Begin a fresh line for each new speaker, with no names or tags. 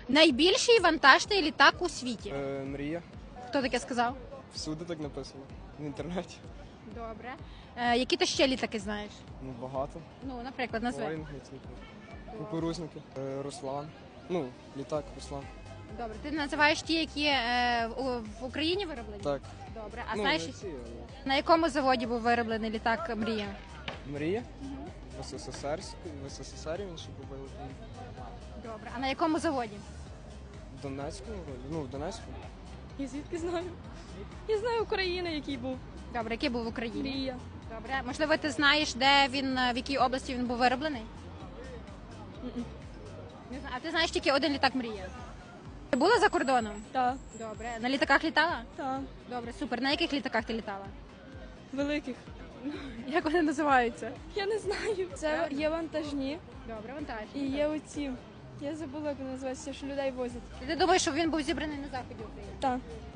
Найбільший вантажний літак у світі.
Мрія.
Хто таке сказав?
Всюди так написано. В інтернеті.
Добре. Які ти ще літаки знаєш?
Ну, багато.
Ну, наприклад, назви.
Боїнг, кукурузники. Руслан. Ну, літак Руслан.
Добре. Ти називаєш ті, які в Україні вироблені?
Так.
Добре. А
Ну,
знаєш,
не всі, але...
на якому заводі був вироблений літак Мрія?
Мрія. В СССР він ще був вироблений.
Добре. А на якому заводі?
В Донецьку, вроді. Ну, в Донецьку.
Я звідки знаю? Я знаю України, який був.
Добре, який був в Україні?
Мрія.
Добре. Можливо, ти знаєш, де він, в якій області він був вироблений? Не знаю. А ти знаєш тільки один літак Мрія? Ти була за кордоном?
Так,
Добре. На літаках літала?
так.
Добре, супер. На яких літаках ти літала?
Великих.
Як вони називаються?
Я не знаю. Це є вантажні
Добре, вантаж.
і є оці. Я забула, як вони називаються, що людей возять.
Ти думаєш, що він був зібраний на заході України?
Так.